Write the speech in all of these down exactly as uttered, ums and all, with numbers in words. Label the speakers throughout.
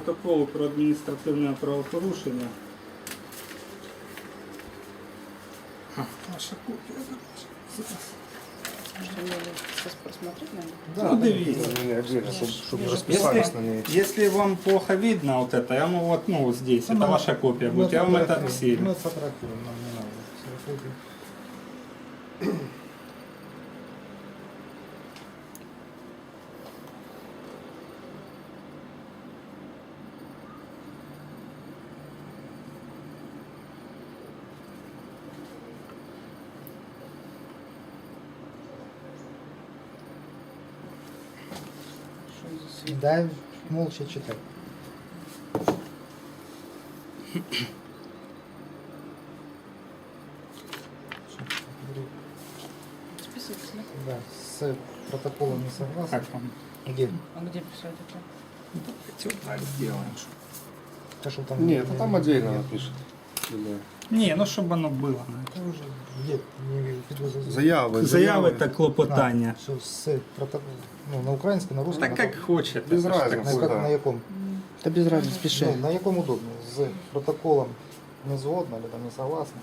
Speaker 1: протоколу про адміністративне правопорушення. А, ваша копія.
Speaker 2: Что мне сейчас просмотреть надо?
Speaker 1: Да, ну, дивіться.
Speaker 3: Чтобы расписались на ней.
Speaker 1: Если вам плохо видно вот это, я вам вот, ну, вот здесь, это ваша копия будет, я вам это все.
Speaker 3: Мы сфотографируем, нам не надо. Сфотографируем.
Speaker 2: Что за свет?
Speaker 3: Дай молча читай.
Speaker 2: Списывать, да?
Speaker 3: Да, с протоколом не согласен.
Speaker 1: Как вам?
Speaker 3: Где?
Speaker 2: А где писать это?
Speaker 1: Давайте вот так сделаем.
Speaker 3: То, что там
Speaker 4: Нет, а там отдельно напишет.
Speaker 1: Не, ну чтобы оно было.
Speaker 3: Это уже где? Не вижу. Підозрюю.
Speaker 4: Заяви.
Speaker 1: Заяви та клопотання.
Speaker 3: Все, с протоколом. Ну, на українському, на русском.
Speaker 1: Так как хочете.
Speaker 4: Без
Speaker 1: це ж так.
Speaker 4: разницы.
Speaker 3: На, як-
Speaker 4: да.
Speaker 3: на якому?
Speaker 5: Та без разницы, пиши.
Speaker 3: Ну, на якому удобно? З протоколом не згодно, або там не согласны.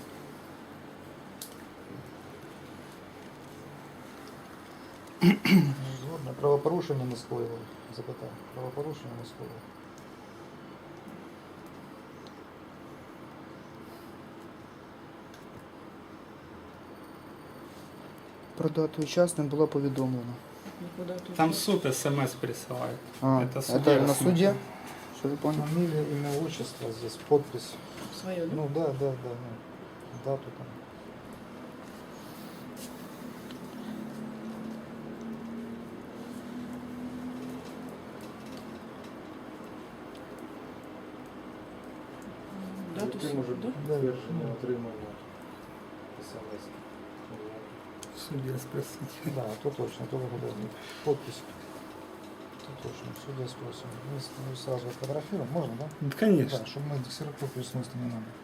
Speaker 3: Не згодно. Правопорушення не скоїли. Запитаю. Правопорушення не скоїли.
Speaker 5: Про дату і час не було повідомлено.
Speaker 2: Никуда тут.
Speaker 1: Там суд смс присылает.
Speaker 5: А,
Speaker 1: Это
Speaker 5: это,
Speaker 1: судья
Speaker 5: на
Speaker 1: смотрит.
Speaker 5: суде? Что я понял?
Speaker 3: Фамилия, имя, отчество, здесь подпись.
Speaker 2: Свое, да?
Speaker 3: Ну да, да, да. Ну, дату там.
Speaker 2: Да, то есть, да?
Speaker 3: Да, не отримання. СМС.
Speaker 1: Судья спросить.
Speaker 3: Да, то точно, то выгодно. Подпись. То точно, судья спросим. Мы, с- мы сразу фотографируем, можно, да?
Speaker 1: Ну, конечно.
Speaker 3: Да, чтобы мы ксерокопию смысла не надо.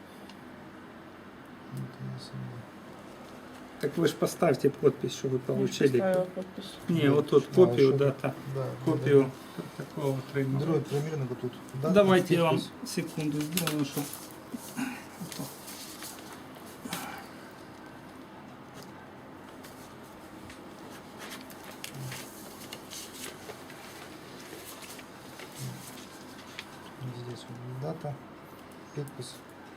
Speaker 3: Это не самое.
Speaker 1: Так вы же поставьте подпись, что вы
Speaker 2: Я ж
Speaker 1: получили.
Speaker 2: поставила подпись.
Speaker 1: Не, вот тут
Speaker 3: А,
Speaker 1: копию
Speaker 3: еще-
Speaker 1: дата.
Speaker 3: Да,
Speaker 1: Копию
Speaker 3: да,
Speaker 1: такого
Speaker 3: да.
Speaker 1: трейдера.
Speaker 3: Другой примерно вот тут. Да,
Speaker 1: Давайте я вам
Speaker 3: подпись.
Speaker 1: секунду сделаю, чтобы...
Speaker 3: Здесь вот дата, подпись.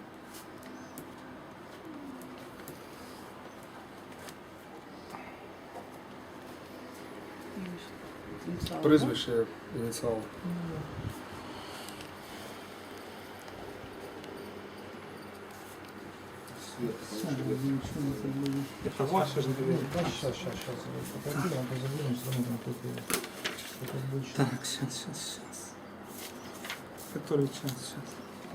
Speaker 2: Инициал, да?
Speaker 4: Прізвище, ініціал.
Speaker 1: Это ваше же, наверное.
Speaker 3: Да, сейчас, сейчас, сейчас. Фотографируем, позабудем, все равно там копию. Это будет
Speaker 1: Так, сейчас, сейчас, сейчас. Который час сейчас?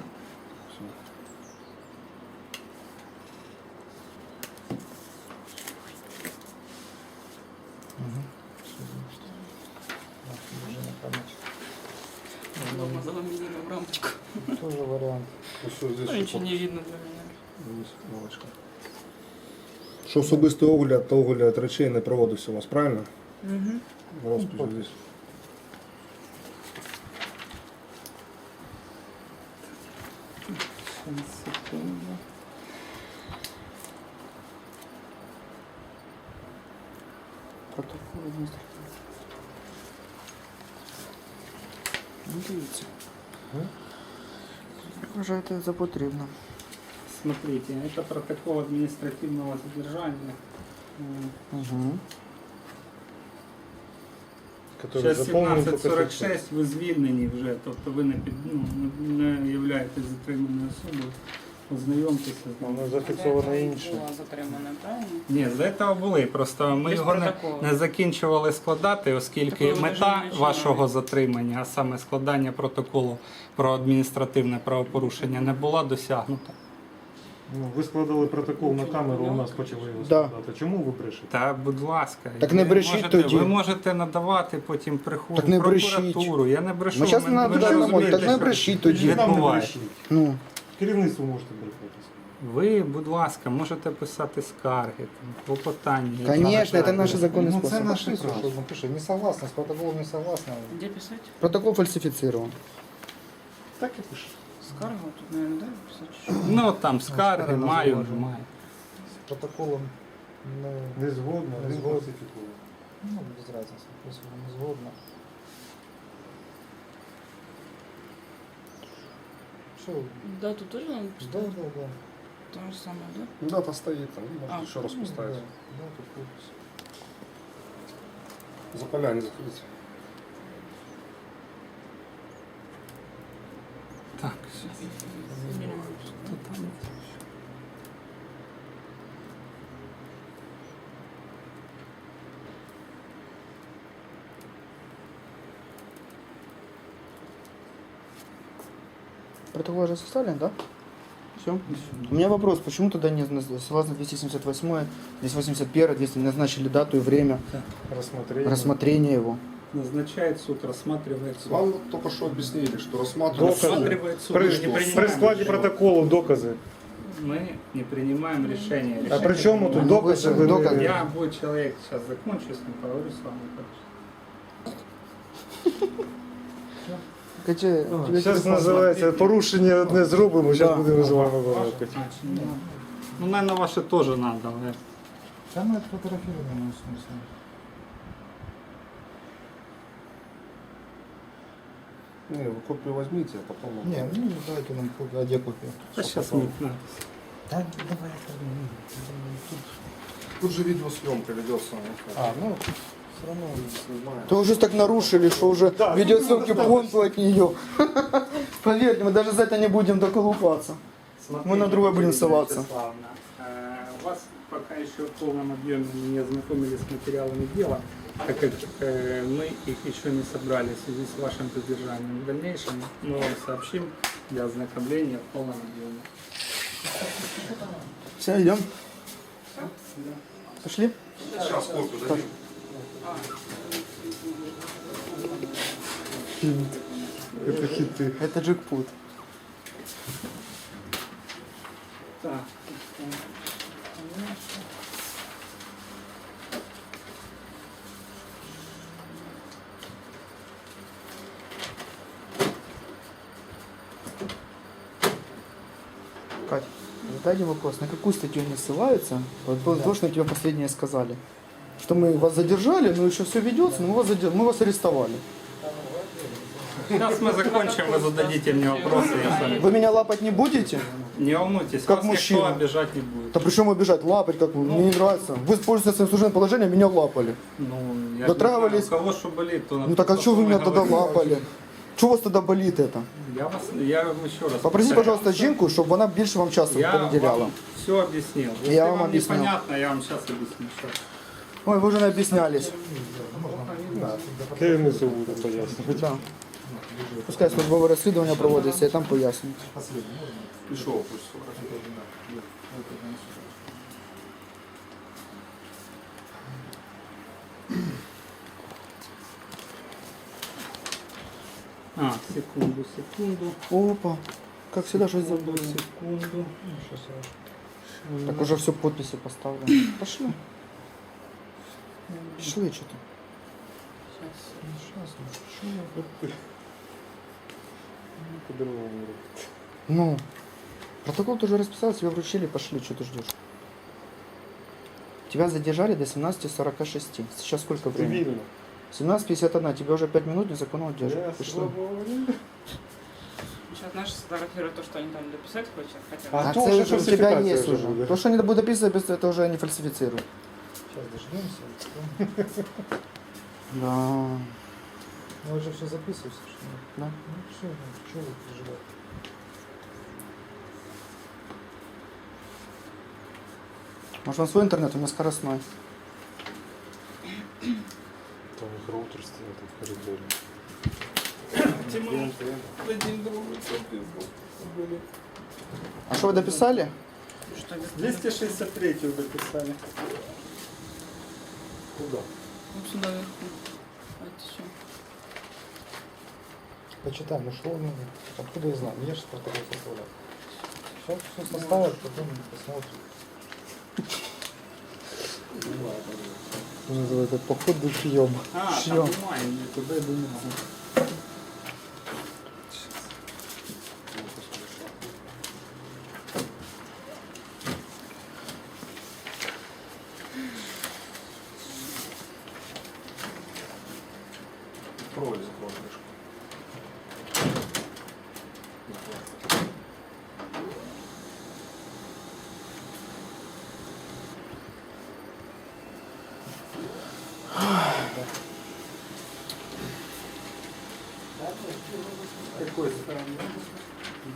Speaker 3: Угу. Все, значит. Так, уже на память.
Speaker 2: Дома за вами едем в рамочку.
Speaker 3: Тоже вариант.
Speaker 4: Ось здесь
Speaker 2: Ну,
Speaker 4: ще
Speaker 2: ничего не
Speaker 4: подпис.
Speaker 2: видно для меня.
Speaker 4: Ось галочка. Що особистий огляд та огляд речей не проводився у вас, правильно?
Speaker 2: Угу.
Speaker 4: В розписі здесь.
Speaker 1: Сейчас, секунду.
Speaker 5: Протокол адміністративний. Ну, дивіться. Як вважаєте за потрібно?
Speaker 1: Смотрите, это протокол административного задержания. М,
Speaker 5: Угу.
Speaker 4: Который
Speaker 1: Зараз
Speaker 4: заповнений
Speaker 1: сімнадцять
Speaker 4: поки
Speaker 1: сорок
Speaker 4: що.
Speaker 1: шість, ви звільнені вже, тобто ви не, під, ну, не не являєтесь затриманою особою. Ознайомтеся з ним.
Speaker 4: Воно зафіксовано інше.
Speaker 2: Була затримана, правильно?
Speaker 1: Ні, з цього були, просто ми
Speaker 2: Без
Speaker 1: його не,
Speaker 2: протоколу.
Speaker 1: не закінчували складати, оскільки
Speaker 2: Такого ви
Speaker 1: мета
Speaker 2: навіть не
Speaker 1: вашого
Speaker 2: починали.
Speaker 1: затримання, а саме складання протоколу про адміністративне правопорушення, не була досягнута.
Speaker 6: Ну, ви складали протокол на камеру, у нас почали його
Speaker 5: Да.
Speaker 6: складати. Чому ви брешете?
Speaker 1: Та, будь ласка,
Speaker 5: Так не
Speaker 1: ви
Speaker 5: брешіть
Speaker 1: можете,
Speaker 5: тоді.
Speaker 1: ви можете надавати потім приход
Speaker 5: Так не
Speaker 1: в прокуратуру. Я не брешу.
Speaker 5: Ми зараз
Speaker 1: ви-
Speaker 5: не
Speaker 1: ви ж
Speaker 5: надаємо,
Speaker 1: розумієте,
Speaker 5: так не
Speaker 1: що
Speaker 5: брешіть тоді.
Speaker 6: Нам не
Speaker 1: відбувається.
Speaker 6: брешіть.
Speaker 5: Ну,
Speaker 6: Керівництво можете брехати.
Speaker 1: Ви, будь ласка, можете писати скарги, там, клопотання.
Speaker 5: конечно, это наш законный
Speaker 3: Ну, це
Speaker 5: способ.
Speaker 3: наше право. Что напиши, не согласна, с протоколом не согласна.
Speaker 2: Где писать?
Speaker 5: Протокол фальсифицирован.
Speaker 3: Так і пише.
Speaker 2: Скарга тут, наверное, да? Писать чи що?
Speaker 1: Ну там скарги,
Speaker 3: скарга
Speaker 1: маю,
Speaker 3: зауваження.
Speaker 1: маю.
Speaker 3: З протоколом не,
Speaker 6: Не згодно,
Speaker 3: Не
Speaker 6: не
Speaker 3: згодно.
Speaker 6: сфальсифікує.
Speaker 3: ну, без разницы. Если не згодно. Все,
Speaker 2: Да, тут тоже надо
Speaker 3: да,
Speaker 2: поставить?
Speaker 3: да, да.
Speaker 2: То же самое, да?
Speaker 4: Дата стоит там, ну,
Speaker 2: А,
Speaker 4: можете еще раз
Speaker 3: Ну,
Speaker 4: поставить.
Speaker 3: Да, да, тут подпись.
Speaker 4: За поля не заходите.
Speaker 1: Так, все.
Speaker 5: Протокол уже составлен, да? Все. У меня вопрос, почему тогда не наз- согласно двести семьдесят восьмой, двести восемьдесят один, двести назначили дату и время
Speaker 6: Рассмотрение.
Speaker 5: рассмотрения его?
Speaker 1: Назначает суд, рассматривает суд.
Speaker 4: Вам вот только что объяснили, что рассматривать
Speaker 6: Доказы.
Speaker 1: Рассматривает суд.
Speaker 6: При,
Speaker 1: Мы не
Speaker 6: при
Speaker 1: принимаем
Speaker 6: складе
Speaker 1: решение.
Speaker 6: протоколу докази.
Speaker 1: Мы не принимаем решение.
Speaker 6: А
Speaker 1: Решение
Speaker 6: при чому тут
Speaker 1: принимаем.
Speaker 6: докази? Ви не-
Speaker 5: Докази.
Speaker 1: Я бой человек, сейчас закончу, с ним поговорю с вами.
Speaker 5: Каче,
Speaker 6: Ну,
Speaker 5: тебе
Speaker 6: Зараз
Speaker 5: телефон
Speaker 6: називається порушення одне зробимо, зараз
Speaker 5: Да.
Speaker 6: будемо з вами
Speaker 1: Ваше,
Speaker 6: балакати.
Speaker 1: значит, ну, ну, наверное, ваше тоже надо. да.
Speaker 3: Там это фотографировано, в смысле.
Speaker 4: Не, вы копию возьмите, а потом...
Speaker 3: Не, ну дайте нам копию, а где копия?
Speaker 1: Да сейчас мы... да.
Speaker 3: Да, давай, ну, тут.
Speaker 4: Тут же видеосъемка ведется.
Speaker 3: А, ну, все равно.
Speaker 5: То уже так нарушили, что уже видеосъемки понту от нее. Поверьте, мы даже за это не будем доколупаться. Мы на другое будем ссылаться.
Speaker 1: Вячеславовна, э, Вас пока еще в полном объеме не ознакомили с материалами дела, так как э, мы их еще не собрали в связи с вашим задержанием. В дальнейшем мы вам сообщим для ознакомления в полном объеме.
Speaker 5: Все, идем. Пошли?
Speaker 4: Сейчас копию дадим.
Speaker 6: Это хиты.
Speaker 5: Это джекпот.
Speaker 1: Так.
Speaker 5: Кать, задайте вопрос, на какую статью они ссылаются? Вот было то, что тебе последнее сказали. Что мы вас задержали, но еще все ведется, но мы вас, задер... мы вас арестовали.
Speaker 1: Сейчас мы закончим, вы зададите мне вопросы, я с вами.
Speaker 5: Вы меня лапать не будете?
Speaker 1: Не волнуйтесь,
Speaker 5: Как
Speaker 1: вас
Speaker 5: мужчина.
Speaker 1: никто обижать не будет.
Speaker 5: Да при чем убежать? Лапать как вы? Мне не нравится. Вы пользуетесь своим служебным положением, меня лапали.
Speaker 1: Ну, я
Speaker 5: Дотрагивались-
Speaker 1: не знаю, у кого что болит, то
Speaker 5: Ну так а что вы меня тогда лапали? Что у вас тогда болит это?
Speaker 1: Я вас, я вам еще раз
Speaker 5: Попросіть,
Speaker 1: повторяю.
Speaker 5: пожалуйста, жінку, щоб вона більше вам часу
Speaker 1: Я
Speaker 5: переділяла.
Speaker 1: вам все объяснил. Если
Speaker 5: Я
Speaker 1: вам
Speaker 5: вам объяснил.
Speaker 1: непонятно, я вам сейчас объясню. Щас.
Speaker 5: Ой, ви вже не об'яснялись.
Speaker 6: Керівництво буде пояснювати.
Speaker 5: Да. Пускай службове розслідування проводиться, і там пояснюють.
Speaker 4: Пішов, пусть сфотографирует.
Speaker 1: А, секунду, секунду.
Speaker 5: Опа, как всегда, что забыл.
Speaker 1: Секунду.
Speaker 5: Так уже все подписи поставлены. Пошли. Пошли что-то. Ну, протокол тоже расписал, тебе вручили, пошли, что ты ждешь? Тебя задержали до семнадцати сорока шести. Сейчас сколько времени?
Speaker 6: Цивільно.
Speaker 5: семнадцать пятьдесят один. Тебе уже пять минут незаконного
Speaker 6: Я
Speaker 5: держат. Пошли.
Speaker 6: свободен.
Speaker 2: Сейчас наши сфотографируют то, что они там дописать хотят. хотят.
Speaker 6: А
Speaker 5: А
Speaker 6: то
Speaker 5: це
Speaker 6: уже
Speaker 5: уже у тебя
Speaker 6: фальсификация
Speaker 5: есть
Speaker 6: уже
Speaker 5: уже.
Speaker 6: будет.
Speaker 5: То, что они будут описывать, без- это уже не фальсифицируют.
Speaker 3: Сейчас дождемся.
Speaker 5: Да.
Speaker 3: Ну, уже все записывается, что ли?
Speaker 5: Да.
Speaker 3: Ну, все, что вы переживаете?
Speaker 5: Может, он свой интернет, у меня скоростной.
Speaker 6: Там их роутер стоит в коридоре.
Speaker 5: А что вы дописали?
Speaker 2: Что без-
Speaker 1: двести шестьдесят три дописали.
Speaker 6: Куда?
Speaker 2: Вот сюда вверху. А это что?
Speaker 3: Почитай, ну что, ну, откуда я знаю? Я же протокол составляю. Сейчас все составят, потом посмотрим.
Speaker 5: Называется походу шьем.
Speaker 1: А,
Speaker 5: Шьем.
Speaker 1: там бумаги, куда я думал.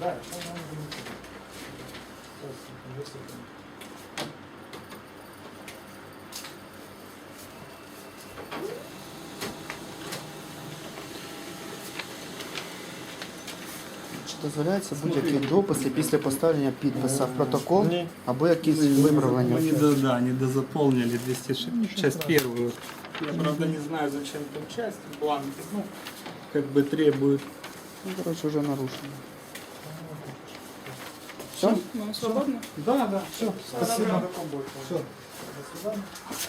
Speaker 3: Да, що нам буде? Ось, висипемо.
Speaker 5: Чи дозволяється будь-які дописи після поставлення підписа в протокол
Speaker 6: Ні.
Speaker 5: або якісь
Speaker 1: Мы не
Speaker 5: виправлення?
Speaker 1: до- да, не дозаполнили двести часть первую. Я, правда, не знаю, зачем там часть бланки. Ну, как бы требует.
Speaker 5: Ну, короче, уже нарушено. Все?
Speaker 2: Ну, свободно?
Speaker 1: Да, да.
Speaker 3: Все, спасибо. Все. До свидания.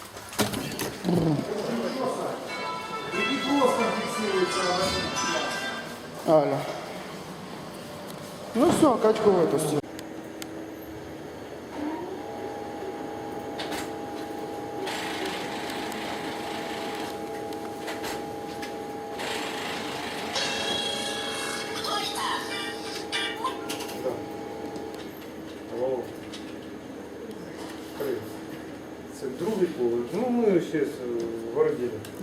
Speaker 5: Аля. Ну все, Катьку выпусти.
Speaker 6: Алло. Привіт. Це другий поверх. Ну, ми ще в Городілі.